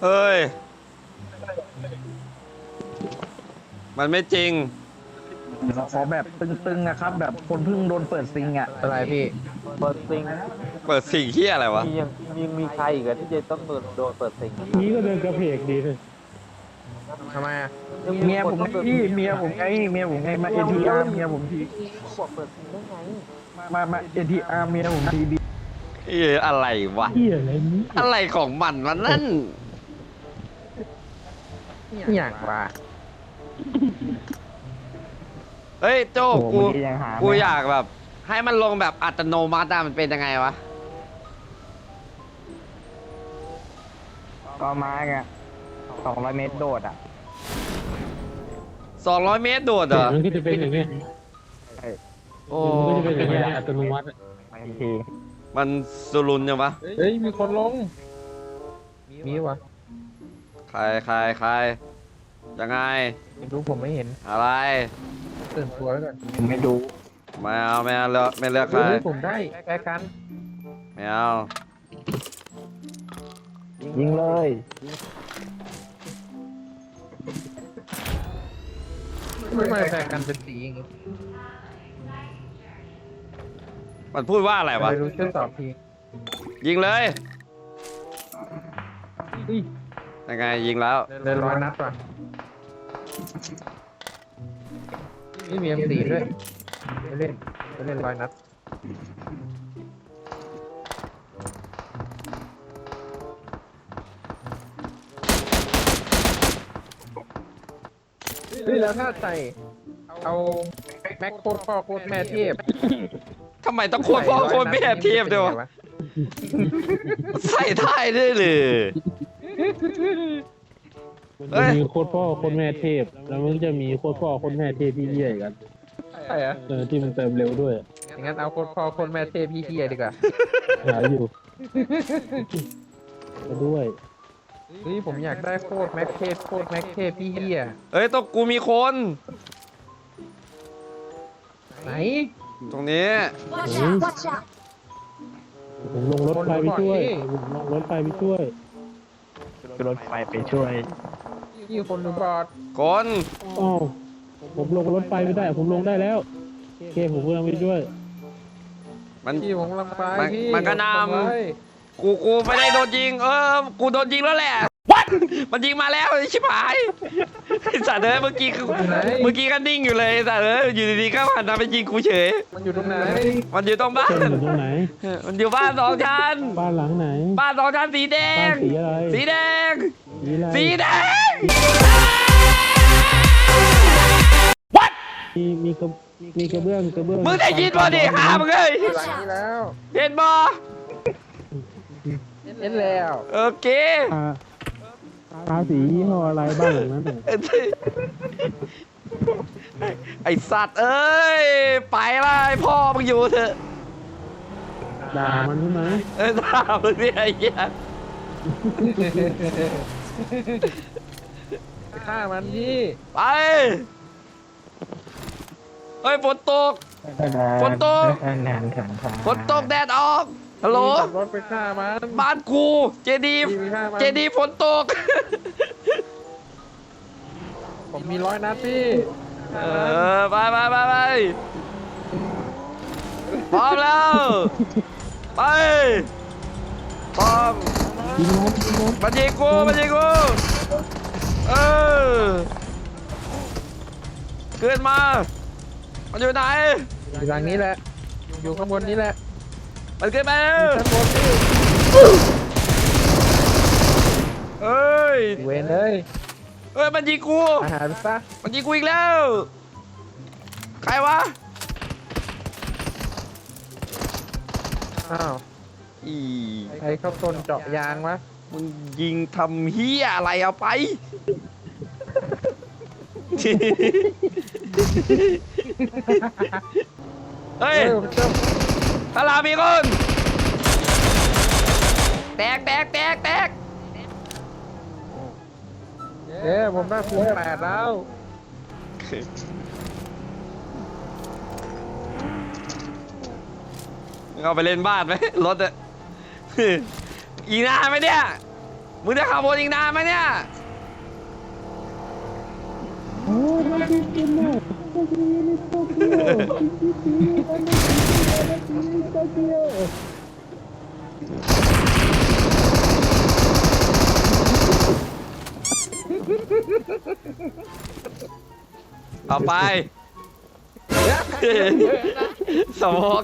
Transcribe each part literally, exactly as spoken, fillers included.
เฮ้ยมันไม่จริงเราขอแบบตึงๆนะครับแบบคนเพิ่งโดนเปิดซิงอ่ะอะไรพี่เปิดซิงเปิดสิ่งที่อะไรวะมียังมีมีใครอีกอะที่จะต้องโดนโดนเปิดซิงนี้ก็เดินกระเพกดีเลยทำไมอะเมียผมพี่เมียผมไงเมียผมไงมาเอ็นทีอาร์เมียผมทีบอกเปิดซิงได้ไงมามาเอ็นทีอาร์เมียผมทีดีเอออะไรวะเฮียอะไรนี้อะไรของมันวะนั่นอย่างว่าเฮ้ยโจ้กูยังหากูอยากแบบ ให้มันลงแบบอัตโนมัติอะมันเป็นยังไงวะก็มาไงสองร้อยเมตรโดดอ่ะสองร้อยเมตรโดดเหรอมันก็จะเป็นอย่างเงี้ยโอ้มันก็จะเป็นอย่างเงี้ยอัตโนมัติทีมันสุรุนยังวะเฮ้ยมีคนลงมีวะใครใครใครยังไงไม่รู้ผมไม่เห็นอะไรตื่นตัวไว้ก่อนไม่ดูไม่เอาไม่เอาเลือกไม่เลือกใครเฮ้ยผมได้แก้กันไม่เอายิงเลยไม่มาแก้กันเป็นสีอย่างงี้มันพูดว่าอะไรวะไม่รู้ช่วยตอบทียิงเลยเฮ้ยยังไงยิงแล้วเดินร้อยนัดว่ะนี่มีเอ็มสี่ด้วยไปเล่นไปเล่นร้อยนัดเฮ้ยแล้วถ้าใส่เอาแม็กโคตรพ่อโคตรแม่เทพทำไมต้องโคตรพ่อโคตรแม่เทียบด้วยวะใส่ได้ด้วยเลยมันจะมีโคตรพ่อโคตรแม่เทพ แล้วมันจะมีโคตรพ่อโคตรแม่เทพที่เยี่ยกันใช่เหรอเออที่มันเติมเร็วด้วยอย่างนั้นเอาโคตรพ่อโคตรแม่เทพพี่เทียดีกว่าหาอยู่ก็ด้วยเฮ้ยผมอยากได้โคตรแม็กเทพโคตรแม็กเทพพี่เฮียเอ้ยต้องกูมีคนไหนตรงนี้ Watch out! Watch out! ผมลงรถไฟไปช่วยผมลงรถไฟไปช่วยรถไฟไปช่วยนี่คนหรือบอดคนอ้าวผมลงรถไฟไม่ได้ ผมลงได้แล้วโอเคผมกำลังไปช่วยมันพี่ผมกำลังไปมันพี่มันก็นำผมไปกูกูไม่ได้โดนยิง เออ กูโดนยิงแล้วแหละ มันยิงมาแล้วไอ้ชิบหายไอ้สัตว์เอ้ยเมื่อกี้คือเมื่อกี้ก็นิ่งอยู่เลยไอ้สัตว์เอ้ยอยู่ดีๆก็หันมาไปยิงกูเฉยมันอยู่ตรงไหนมันอยู่ตรงบ้าเส้นนอยู่ตรงไหนมันอยู่บ้านสองชั้นบ้านหลังไหนบ้านสองชั้นสีแดบ้าง นสีอะไรสีแดงสีอะไรสีแดงมีมีกระมีกระเบื้องกระเบื้องมึงได้ยินบ่ดิหามึงเอ้ยหลังนี้แล้วเห็นบ่เห็นแล้วโอเคทาทาสียี่ห้ออะไรบ้านหลังนั้นน่ะไอสัตว์เอ้ย ไปละไอพ่อมึงอยู่เถอะด่ามันใช่ไหมเออถามมึงเนี่ยไอ้เหี้ยไปฆ่ามันพี่ไปเฮ้ยฝนตก ฝนตกนานขันทางฝนตกแดดออกฮัลโหลขับรถไปฆ่ามันบ้านกูเจดีย์พี่ไปฆ่ามันเจดีย์ฝนตกผมมีร้อยนัดพี่เออไปไปไปไปพร้อมแล้ว ไปพร้อมยิงรถยิงรถมายิงกูมายิงกูเออขึ้นมามันอยู่ไหนอยู่หลังนี้แหละ อยู่ข้างบนนี้แหละมันขึ้นมาแล้วข้างบนพี่เอ้ยเวนเลยเอ้ยมันยิงกูอาหารซะมันยิงกูอีกแล้ว ใครวะอ้าวอีใครเข้าต้นเจาะยางวะมึงยิงทำเฮียอะไรเอาไป เฮ้ยเออเจ้าพารามีคน แตกแตกแตกแตกเอ๊ะผมได้คูณแปดแล้วเอาไปเล่นบ้านไหมรถอะ อีกนานไหมเนี่ยมึงจะขับวนอีกนานไหมเนี่ยโอ้ยมันเป็นกินหมดโตเกียวโตเกียวโตเกียวต่อไป สมอง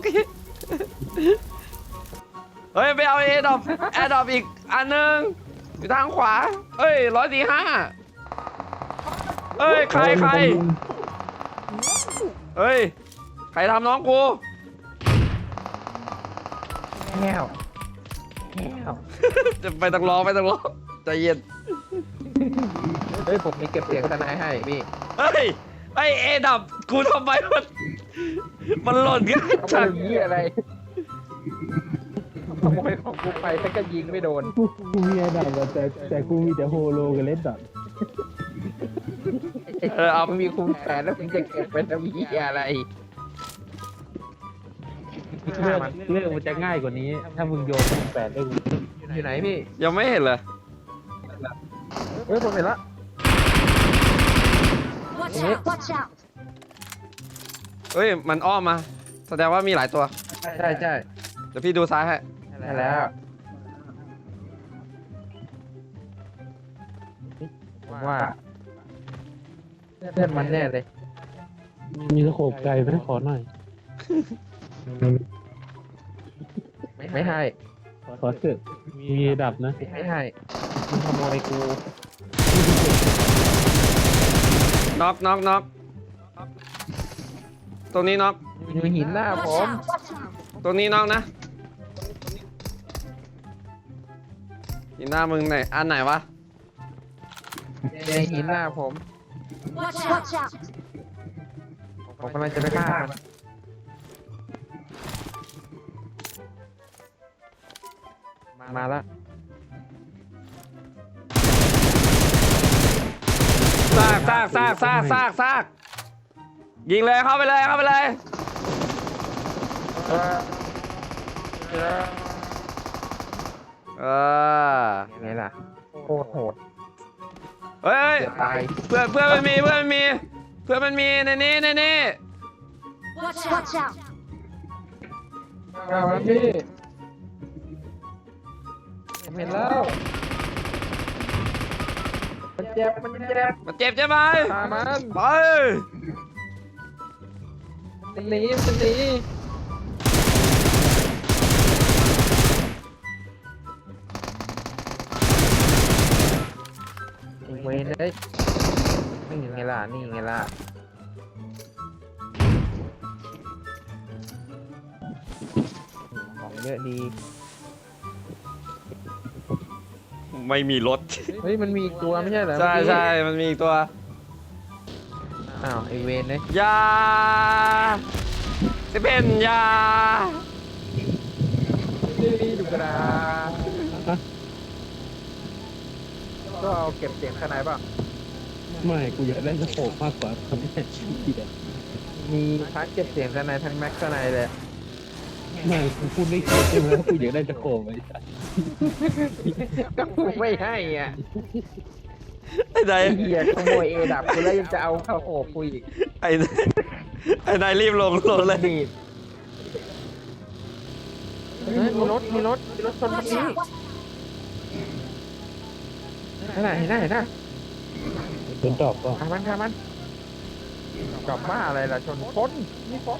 เฮ้ยไปเอาเอดอปแอดอปอีกอันหนึ่งอยู่ทางขวาเอ้ยร้อยสี่ห้าเอ้ยใครใครเฮ้ยใครทำน้องกูแก้วแก้วจะไปตังรอไปตังรอใจเย็นเฮ้ยผมมีเก็บเสียงทนายให้พี่เฮ้ยไอเอดับกูทำไมมันมันหล่นง่ายเขาจังเป็นยี่อะไรขโมยของกูไปแต่ก็ยิงไม่โดนกูกูมีอันดับอะแต่แต่กูมีแต่โฮโลกับเลดดอทเออเอามึงมีคูณแปดแล้วมึงจะเก็บเป็นทำยี่อะไรเรื่องเรื่องมันจะง่ายกว่านี้ ถ้ามึงโยนคูณแปดได้กูอยู่ไหนพี่ยังไม่เห็นเลยเฮ้ยผมเห็นละ Watch out! Watch out! เฮ้ยมันอ้อมมาแสดงว่ามีหลายตัวใช่ใช่ใช่เดี๋ยวพี่ดูซ้ายให้ได้แล้วว่าเพื่อนมันแน่เลยมีสโคปไกลไหมขอหน่อยไม่ไม่ให้ขอเถอะมีอันดับนะไม่ให้มึงขโมยกูน็อกน็อกน็อกตรงนี้น็อกอยู่หินหน้าผ Watch ม out! Watch out! ตรงนี้น็อกนะหินหน้ามึงไหนอันไหนวะในหินหน้าผม Watch out! Watch out! ผมกำลังจะไปฆ่ามันมาละซากซากซากซากซากซากยิงเลยเข้าไปเลยเข้าไปเลยเออเออเออยังไงล่ะโคตรโหดเฮ้ยเดี๋ยวตายเพื่อนเพื่อนมันมีเพื่อนมันมีเพื่อนมันมีในนี้ในนี้ Watch out! Watch out! เอาละพี่เห็นแล้วมันเจ็บมันเจ็บมันเจ็บใช่ไหมตามันไปมันหนีมันหนีเว้ยเลยนี่ไงล่ะนี่ไงล่ะของเยอะดีไม่มีรถเฮ้ยมันมีอีกตัวไม่ใช่เหรอใช่เมื่อกี้ใช่มันมีอีกตัวอ้าวไอเวนเลยยาสิเป็นยานี่ดูกระดาษก็เอาเก็บเสียงข้างในป่ะไม่กูอยากได้สโคปมากกว่าทำให้ทีเดียวมีทั้งเก็บเสียงข้างในทั้งแม็กข้างในเลยไม่กูพูดไม่คิดใช่ไหมว่ากูอยากได้สโคปไอ้สัสก็กูไม่ให้อ่ะไอ้นายไอ้เหี้ยขโมยเอดับกูแล้วยังจะเอาเข้าโอบกูอีกไอ้นายไอ้นายรีบลงลงเลยดีดเฮ้ยมีรถมีรถมีรถชนเมื่อ Watch กี้ out! เห็นไหมเห็นไหมเห็นไหมเป็นดอกก็ทำมันทำมันกลับบ้าอะไรล่ะชนคนนี่คน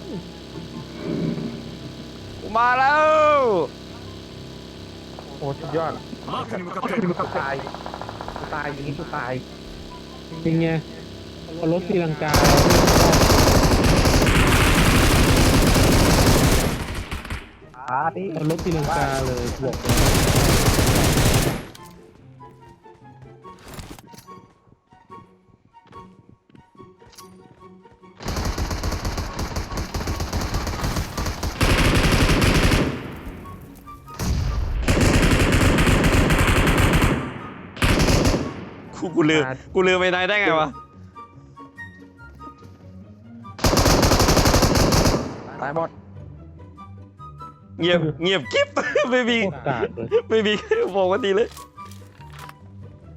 กูมาแล้วโอ้สุดยอดกูตายกูตายอย่างนี้กูตายเป็นไงเอารถตีลังกาอาดิเอารถตีลังกาเลยบอกเลยกูกูลืมกูลืมไปนายได้ไงวะตายหมดเงียบเงียบกิ๊บ ไม่มีโคตรกากเลยไม่มีบอกว่าดีเลย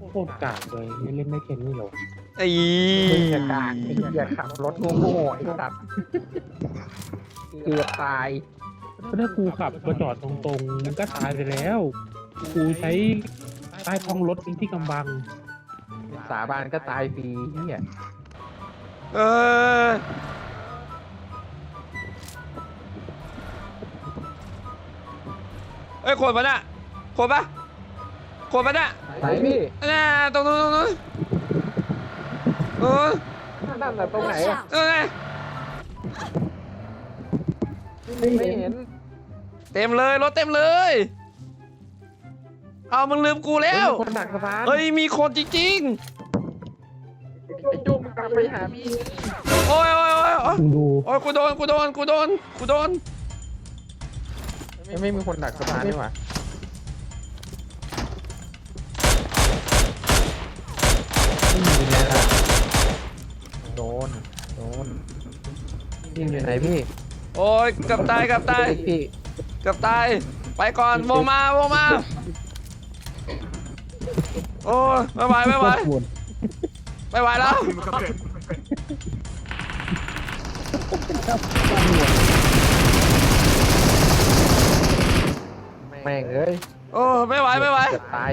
โคตรกากเลยไม่เล่นได้แค่นี้หรอไอ้มึงจะกากไอ้เหี้ยขับรถโง่ๆไอ้สัตว์เกือบตายถ้ากูขับมาจอดตรงๆมันก็ตายไปแล้วกูใช้ใต้ท้องรถเป็นที่กำบังสาบานก็ตายฟรีเหี้ยเออเอ้ยคนปะน่ะคนปะคนปะน่ะไหนพี่น่ะตรงนู้นตรงนู้นเออนั่นน่ะตรงไหน Watch อะ out! เออไงไม่เห็นเต็มเลยรถเต็มเลย เอามึงลืมกูแล้วคนดักสะพานเฮ้ยมีคนจริงไอ้จุ้มกลับไปหาพี่ๆโอ้ยโอ้ยโอ้ยโอ้ยมึงดูโอ้ยกูโดนกูโดนกูโดนกูโดนไม่ไม่มีคนดักสะพานนี่หว่านี่อยู่ไหนล่ะโดนโดนยิงอยู่ไหนพี่โอ้ยเกับตายเกับตายพี่เกับตายไปก่อนวงมาวงมาโอ้ยไม่ไหวไม่ไหวโคตรปวดไม่ไหวแล้วแม่งเอ้ยโอ้ไม่ไหวไม่ไหวเกือบตาย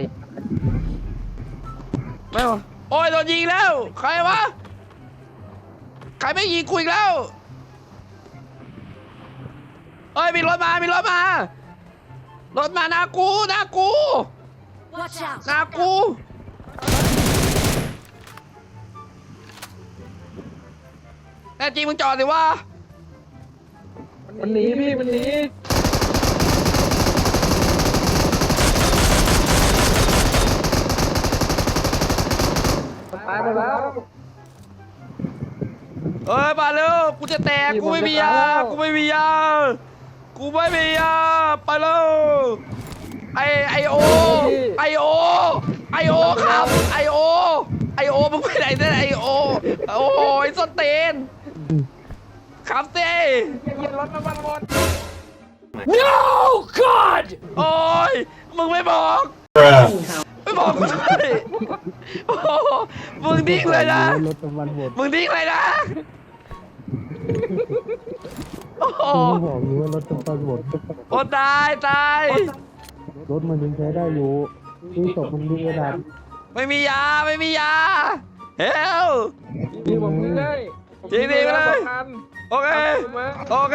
ไม่ไหวโอ้ยโดนยิงแล้วใครวะใครไม่ยิงกูอีกแล้วเอ้ยมีรถมามีรถมารถมาหน้ากูหน้ากู Watch out! หน้ากูแน่จริงมึงจอดสิวะมันหนีพี่มันหนีตายไปแล้วเอ้ยมาเร็วกูจะแตกกูไม่มียากูไม่มียากูไม่มียาไปเร็วไอไอโอไอโอไอโอครับไอโอไอโอมึงไปไหนเนี่ยไอโอโอ้ยสเตนขับเต้ยิงรถน้ำมันหมด No God โอ้ยมึงไม่บอกไม่บอกกูด้วยโอ้โหมึงดิ้งเลยนะรถน้ำมันหมดมึงดิ้งเลยนะโอ้โหกูบอกอยู่ว่ารถน้ำมันหมดโอ้ตายตายรถมันยังใช้ได้อยู่ที่ตกมันดีกระดาษไม่มียาไม่มียาเฮลยิงผมยิงเลยยิงดิไปเลย โอเคโอเค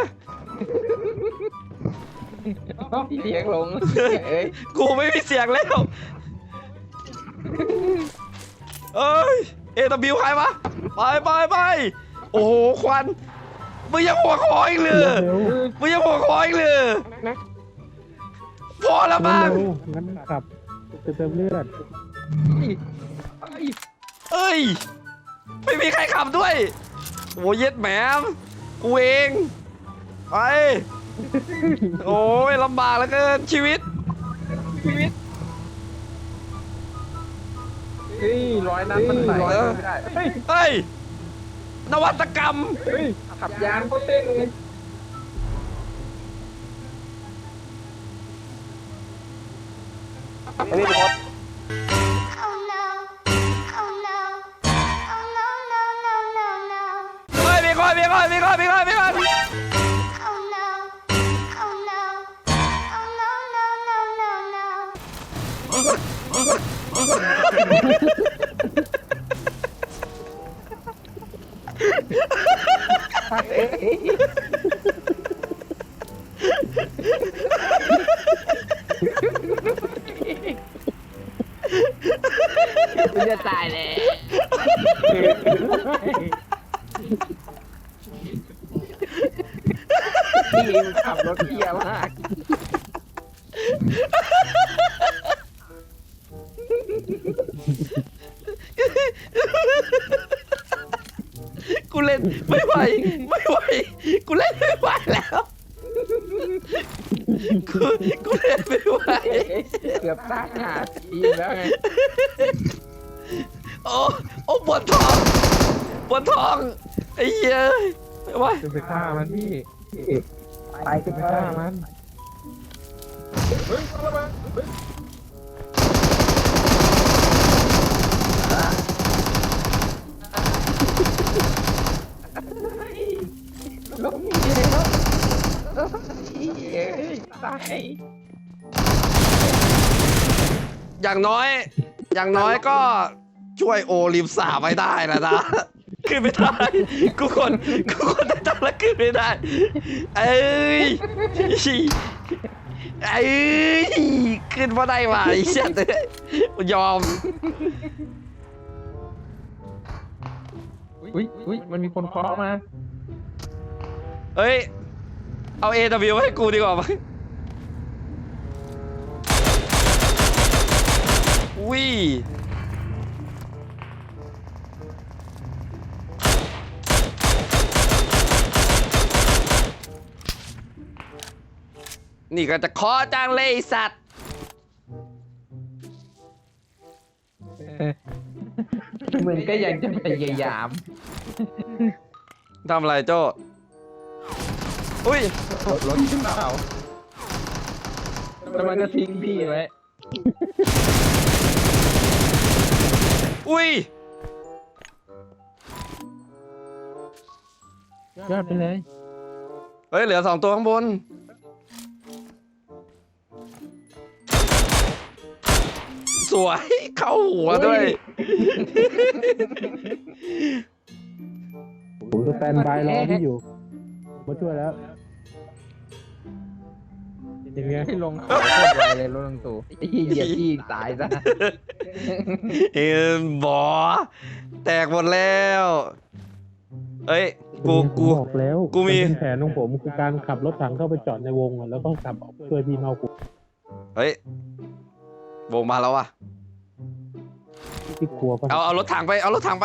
เสียงลงเอ้ยกูไม่มีเสียงแล้วเอ้ยเอตบิวใครวะไปไปไปโอ้โหควันมึงยังหัวคออีกเลยเร็วมึงยังหัวคออีกเลยนะพอแล้วบ้างเร็วงั้นขับจะเติมเลือดเอ้ยไม่มีใครขับด้วยโอ้เย็ดแหมมกูเองไปโอ้ยลำบากเหลือเกินชีวิตชีวิตเฮ้ยร้อยนัดมันใส่ไม่ได้เฮ้ยเฮ้ยนวัตกรรมเฮ้ยขับยานโคตรเต้นเลย Oh no! Oh no! Oh no, no, no, no, no! เฮ้ยมีคนมีคนมีคนมีคนมีคน Oh no! Oh no! Oh no, no, no, no, no! เอ๊ะกูจะตายเลยพี่มึงขับรถเที่ยมากกูเล่นไม่ไหวไม่ไหวกูเล่นไม่ไหวแล้วกูกูเล่นไม่ไหวเกือบตายหาทีแล้วไงโอ้โอ้ปวดท้องปวดท้องไอ้เหี้ยไม่ไหวจะไปฆ่ามันพี่ไปสิจะไปเอฆ่าอมันเฮ้ยระเบิดเฮ้ยอย่างน้อย อย่างน้อยก็ช่วยโอริมสาไว้ได้แล้วนะขึ้นไม่ได้กูคนกูคนได้ตังแล้วขึ้นไม่ได้เอ้ยเอ้ยขึ้นมาได้ว่ะไอ้เชี่ยเอ้ยยอมอุ้ยอุ้ยมันมีคนเคาะมาเฮ้ย เอา เอ ดับเบิลยู ให้กูดีกว่าไหมอุ้ย นี่ก็จะขอจังเลยไอ้สัตว์มึงก็ยังจะพยายามทำอะไรโจ้อุ้ยรถขึ้นเปล่าแล้วมันก็ทิ้งพี่ไว้อุ้ยยอดไปเลยเฮ้ย เหลือสองตัวข้างบน สวย เข้าหัวด้วยผมจะแตนบายรอพี่อยู่มาช่วยแล้วอย่างเงี้ยให้ลงเขาโคตรไวเลยรถลงตู่ไอ้เหี้ยเหยียบพี่ตายซะเอ็นบอแตกหมดแล้ว เอ้ย กูกูบอกแล้วกูมีนเป็นแผนของผมคือการขับรถถังเข้าไปจอดในวงอะแล้วก็ขับออกช่วยพี่เมากูเฮ้ย วงมาแล้วอ่ะที่กลัวปะเอา เอารถถังไป เอารถถังไป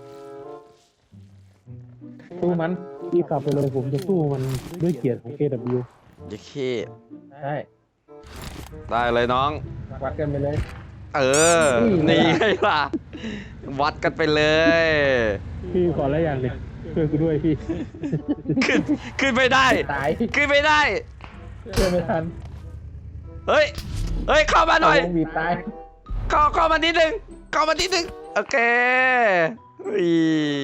สู้มันพี่ขับไปเลยผมจะสู้มันด้วยเกียรติของ เค ดับเบิลยูเย้เคใช่ได้เลยน้องวัดกันไปเลยเออ นี่ไงล่ะ วัดกันไปเลยพี่ขออะไรอย่างหนึ่งช่วยกูด้วยพี่ขึ้น ขึ้นไม่ได้ตายขึ้นไม่ได้ช่วยไม่ทันเฮ้ย เฮ้ย เข้ามาหน่อยวงบีบตายเข้าเข้ามานิดนึงเข้ามานิดนึงโอเคอุ้ย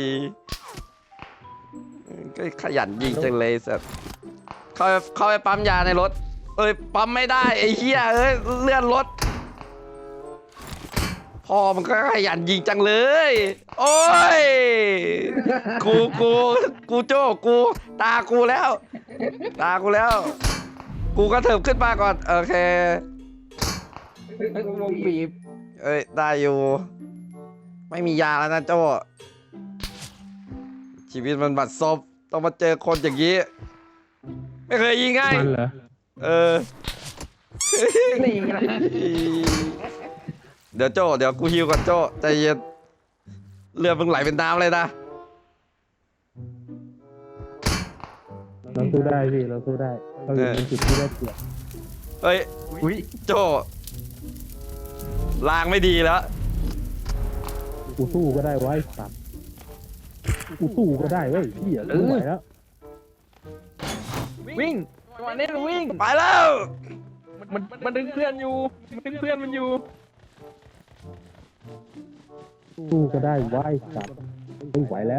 ก็ขยันยิงจังเลยสัตว์เข้าไปเข้าไปปั๊มยาในรถ เอ้ยปั๊มไม่ได้ไอ้เหี้ยเอ้ยเลื่อนรถพ่อมันก็ขยันยิงจังเลย โอ้ยกูกูกูโจ้กูตากูแล้ว ตากูแล้ว กูก็เถิบขึ้นมาก่อนโอเควงบีบเอ้ยได้อยู่ ไม่มียาแล้วนะโจ้ชีวิตมันบัดซบต้องมาเจอคนอย่างนี้ ไม่เคยยิงง่ายมันเหรอเออนี่นะเดี๋ยวโจ้เดี๋ยวกูฮิวก่อนโจ้ใจเย็นเลือดมึงไหลเป็นน้ำเลยนะเราสู้ได้พี่เราสู้ได้เราอยู่ในจุดที่ได้เปรียบเฮ้ยอุ้ยโจ้ลางไม่ดีแล้วกูสู้ก็ได้ไวะไอ้สัตว์กูสู้ก็ได้เว้ยพี่อ่ะไม่ไหวแล้ววิ่งจังหวะนี้วิ่งไปแล้วมันมันดึงเพื่อนอยู่มันดึงเพื่อนมันอยู่สู้ก็ได้ไวะไอ้สัตว์ไม่ไหวแล้ว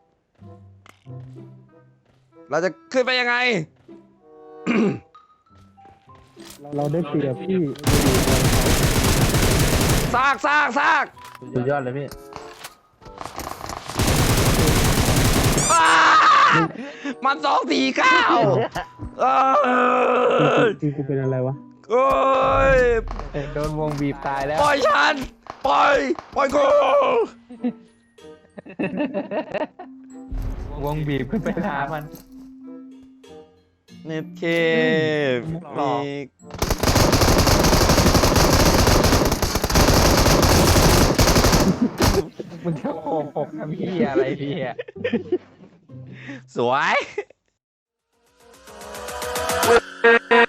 เราจะขึ้นไปยังไงเราได้เปรียบพี่ซากซากซากสุดยอดเลยพี่อ้ามันสองสี่เก้าเอ้ยคือกูเป็นอะไรวะโอ้ยโดนวงบีบตายแล้วปล่อยฉัน ปล่อย ปล่อยกูวงบีบขึ้นไปหามันเน็ตเคหลมีอก มึงจะโขกหกทำพี่อะไรพี่อ่ะสวย